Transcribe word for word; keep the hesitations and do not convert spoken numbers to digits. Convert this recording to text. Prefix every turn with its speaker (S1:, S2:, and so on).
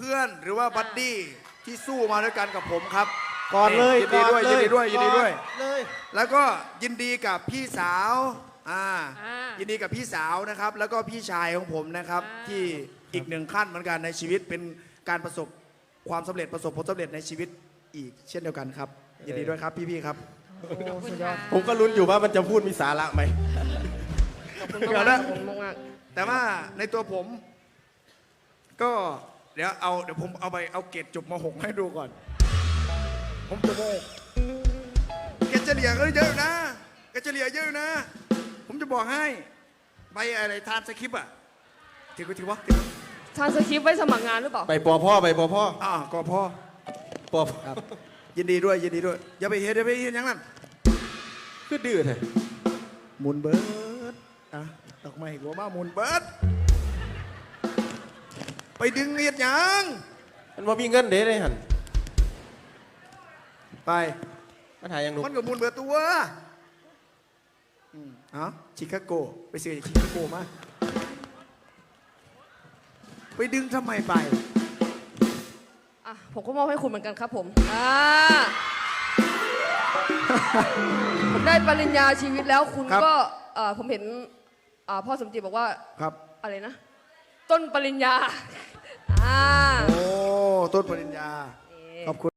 S1: พื่อนหรือว่าบัดดี้ที่สู้มาด้วยกันกับผมครับ
S2: ก่อนเลย
S1: ยินดีด้วยยินดีด้วยยินดีด้วย
S2: เลย
S1: แล้วก็ยินดีกับพี่สาวอ่า
S3: อ่า
S1: ยินดีกับพี่สาวนะครับ แล้วก็พี่ชายของผมนะครับ
S3: อ่า
S1: ที่อีกหนึ่งขั้นเหมือนกันในชีวิตเป็นการประสบความสำเร็จประสบผลสำเร็จในชีวิตอีกเช่นเดียวกันครับยินดีด้วยครับพี่ๆครับ
S3: ขอบคุณค่ะ
S2: ผมก็ลุ้นอยู่ว่ามันจะพูดมีสาระไหม
S3: ขอบคุณ
S1: เดี๋
S3: มาก
S1: ยวนะ
S3: ๆขอบคุณมาก
S1: แต่ว่าในตัวผม ก็เดี๋ยวเอาเดี๋ยวผมเอาไปเอาเกรดจบม .หก ให้ดูก่อน ผมจบม .หก เกรดเฉลี่ยก็เยอะอยู่นะเกรดเฉลี่ยเยอะอยู่นะ ผมจะบอกให้ใบอะไรทานสคริปต์อ่ะถือกูถือวะถือวะ
S3: ๆทานสคริปต์ไว้สมัครงานหรือเปล่า
S2: ไปปอพ่อไปปอพ่อ
S1: อ่าก็พอ
S2: ปอ
S1: ครับ ยินดีด้วยยินดีด้วยอย่าไปเฮ็ดอย่าไปเฮ็ดอย่างนั้น
S2: คือดื้อแท้
S1: หมุนเบิร์ดอ่ะดอกไม้หัวมาหมุนเบิร์ดไปดึงเฮ็ดหยัง
S2: มันว่ามีเงินเด้เลยหัน
S1: ไป
S2: มันหายังหนุก
S1: มันก็หมุนเบิร์ดตัวอืมเอ้าชิคาโกไปซื้อจากชิคาโกมาไปดึงทำไมไป
S3: อ่ะผมก็มอบให้คุณเหมือนกันครับผมอ่าผมได้ปริญญาชีวิตแล้วคุณ
S1: ครับ
S3: ก็เอ่อผมเห็นอ่าพ่อสมจิตบอกว่า
S1: ครับ
S3: อะไรนะ ต้นปริญญาอ่า
S1: โอ้ต้นปริญญา
S3: นี่
S1: ขอบคุณ